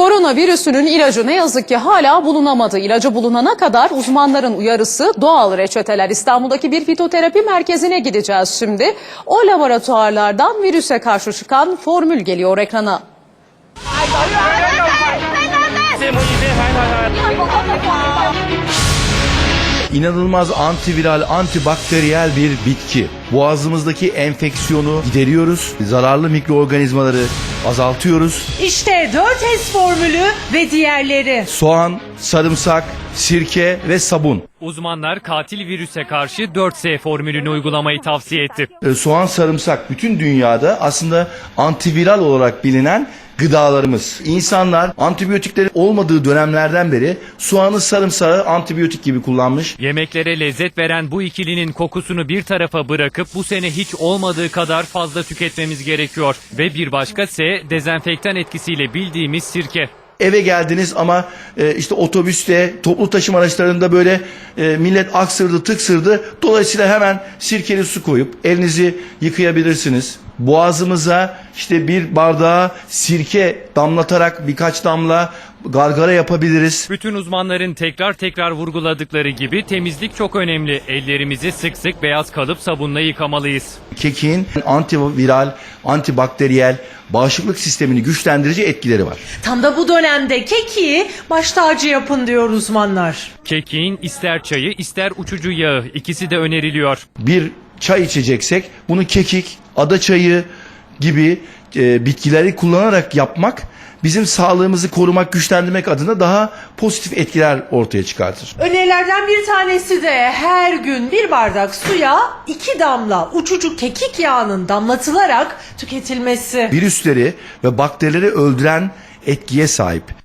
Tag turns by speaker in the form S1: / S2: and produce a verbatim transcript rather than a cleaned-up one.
S1: Koronavirüsünün ilacı ne yazık ki hala bulunamadı. İlacı bulunana kadar uzmanların uyarısı doğal reçeteler. İstanbul'daki bir fitoterapi merkezine gideceğiz şimdi. O laboratuvarlardan virüse karşı çıkan formül geliyor ekrana.
S2: İnanılmaz antiviral, antibakteriyel bir bitki. Boğazımızdaki enfeksiyonu gideriyoruz. Zararlı mikroorganizmaları azaltıyoruz.
S3: İşte dört S formülü ve diğerleri.
S2: Soğan, sarımsak, sirke ve sabun.
S4: Uzmanlar katil virüse karşı dört S formülünü uygulamayı tavsiye etti.
S2: Ee, soğan, sarımsak bütün dünyada aslında antiviral olarak bilinen gıdalarımız. İnsanlar antibiyotikleri olmadığı dönemlerden beri soğanı, sarımsağı antibiyotik gibi kullanmış.
S4: Yemeklere lezzet veren bu ikilinin kokusunu bir tarafa bırakıp bu sene hiç olmadığı kadar fazla tüketmemiz gerekiyor. Ve bir başka S, dezenfektan etkisiyle bildiğimiz sirke.
S2: Eve geldiniz ama e, işte otobüste, toplu taşıma araçlarında böyle e, millet aksırdı, tıksırdı. Dolayısıyla hemen sirkeli su koyup elinizi yıkayabilirsiniz. Boğazımıza işte bir bardağa sirke damlatarak birkaç damla gargara yapabiliriz.
S4: Bütün uzmanların tekrar tekrar vurguladıkları gibi temizlik çok önemli. Ellerimizi sık sık beyaz kalıp sabunla yıkamalıyız.
S2: Kekiğin antiviral, antibakteriyel, bağışıklık sistemini güçlendirici etkileri var.
S3: Tam da bu dönemde kekiği baş tacı yapın diyor uzmanlar.
S4: Kekiğin ister çayı ister uçucu yağı, ikisi de öneriliyor.
S2: Bir çay içeceksek bunu kekik, ada çayı gibi e, bitkileri kullanarak yapmak bizim sağlığımızı korumak, güçlendirmek adına daha pozitif etkiler ortaya çıkartır.
S3: Önerilerden bir tanesi de her gün bir bardak suya iki damla uçucu kekik yağının damlatılarak tüketilmesi.
S2: Virüsleri ve bakterileri öldüren etkiye sahip.